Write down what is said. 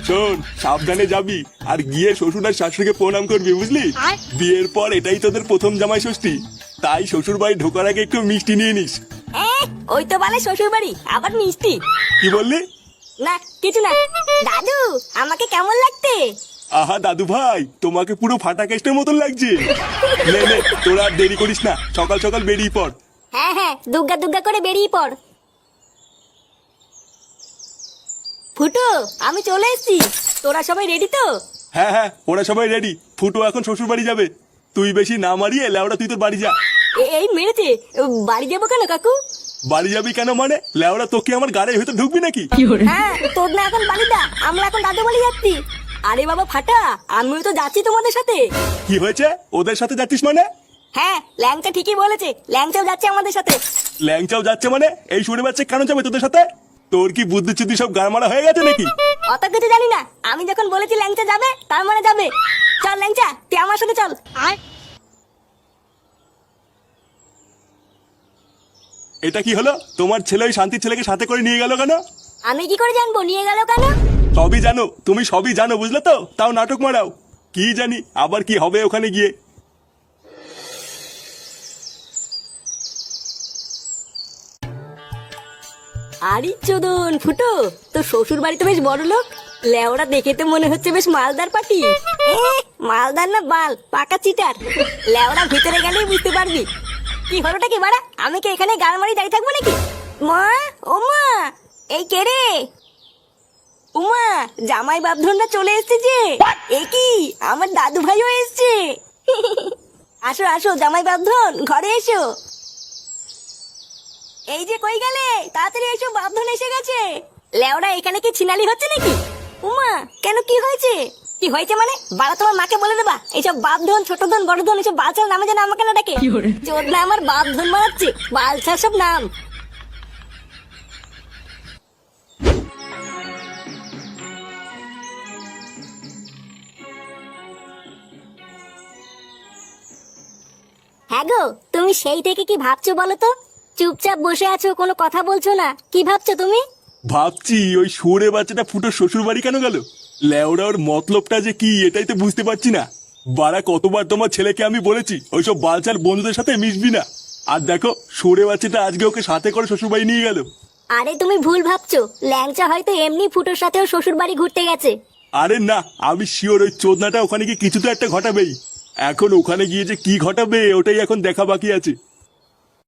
শোন, সাবধানে যাবি আর গিয়ে শ্বশুর আর শাশুড়িকে প্রণাম করবি, বুঝলি? বিয়ের পর এটাই তোদের প্রথম জামাই ষষ্ঠী, তাই শ্বশুর বাড়ি ঢোকার আগে একটু মিষ্টি নিয়ে নিস। ওই তো বলে শ্বশুর বাড়ি আবার মিষ্টি। কি বললি? না কিছু না। দাদু আমাকে কেমন লাগতে? আহা দাদু ভাই, তোমাকে পুরো ফাটা কেস্টের মতন লাগছে। নে নে, তোরা আর দেরি করিস না, সকাল সকাল বেরিয়ে পড়। হ্যাঁ হ্যাঁ, দুগ্গা দুগ্গা করে বেরিয়ে পড়। ফুটো, আমি চলে এসেছি। তোরা সবাই রেডি তো? হ্যাঁ হ্যাঁ, ওরা সবাই রেডি। ফুটো এখন শ্বশুর বাড়ি যাবে, তুই বেশি না মারিয়ে লেওড়া তুই তোর বাড়ি যা। এই মেরেছে। বাড়ি যাবো কেন কাকু? বাড়ি যাবি কেন মানে? লেওড়া তোকে আমার গাড়ির ভিতর ঢুকবি নাকি? হ্যাঁ, তোর না এখন বাড়িটা, আমরা এখন দাদু বাড়ি যাচ্ছি। আরে বাবা ফাটা, আমিও তো যাচ্ছি তোমাদের সাথে। কি হয়েছে? ওদের সাথে যাচ্ছিস মানে? হ্যাঁ, ল্যাংচা ঠিকই বলেছে, ল্যাংচাও যাচ্ছে আমাদের সাথে। ল্যাংচাও যাচ্ছে মানে? এই শুনে বাচ্চা কেন যাবে তোদের সাথে? তোর কি বুদ্ধি চুদ্ধি সব গাড়মারা হয়ে গেছে নাকি? অত কিছু জানি না, আমি যখন বলেছি ল্যাংচা যাবে তার মানে যাবে। চল ল্যাংচা, তুই আমার সাথে চল। এটা কি হলো? তোমার ছেলে ওই শান্তির ছেলেকে সাথে করে নিয়ে গেল কেন? আমি কি করে জানবো নিয়ে গেল কেন? সবই জানো, তুমি সবই জানো, বুঝলে তো? তাও নাটক মারাও। কি জানি আবার কি হবে ওখানে গিয়ে। আরে চোদন ফুটো, তো শ্বশুর বাড়ি তো বেশ বড় লোক। লেওরা দেখে তো মনে হচ্ছে বেশ মালদার পাটি। মালদার না বাল, পাকা চিটার। লেওরা ভিতরে গেলেই বুঝতে পারবি। কি হলোটা কি বাড়া? আমি কি এখানে গাল মারি দাঁড়িয়ে থাকবো নাকি? মা, ও মা, এই কে রে? উমা, জামাই বাপধনরা চলে এসেছে যে। এ কি, আমার দাদু ভাইও এসেছে। আসো আসো জামাই বাপধন, ঘরে এসো। এই যে কই গেলে, তাড়াতাড়ি এসো, বাপধন এসে গেছে। লেওরা এখানে কি ছিনালি হচ্ছে নাকি? উমা, কেন কি হয়েছে? কি হয়েছে মানে? বাড়া তোমার মাকে বলে দেবা এইসব বাপধন, ছোট ধন, বড় ধন এসব বালছার নামে যেন আমাকে না ডাকে। চোদ না আমার বাপধন মারাচ্ছে, বালছার সব নাম। হ্যাঁ গো, তুমি সেই থেকে কি ভাবছো বলো তো? চুপচাপ বসে আছো, কোনো কথা বলছো না, কি ভাবছো তুমি? ভাবছি ওই শুয়োরে বাচ্চাটা ফুটো শ্বশুর বাড়ি কেন গেল। লেওড়া ওর মতলবটা যে কি এটাই তো বুঝতে পারছি না। বাড়া কতবার তোমার ছেলেকে আমি বলেছি ওইসব বালচাল বন্ধুদের সাথে মিশবি না, আর দেখো শুয়োরে বাচ্চাটা আজকে ওকে সাথে করে শ্বশুর বাড়ি নিয়ে গেল। আরে তুমি ভুল ভাবছো, ল্যাংচা হয়তো এমনি ফুটোর সাথেও শ্বশুর বাড়ি ঘুরতে গেছে। আরে না, আমি শিওর ওই চোদনাটা ওখানে গিয়ে কিছু তো একটা ঘটাবেই। এখন ওখানে গিয়ে যে কি ঘটাবে ওটাই এখন দেখা বাকি আছে।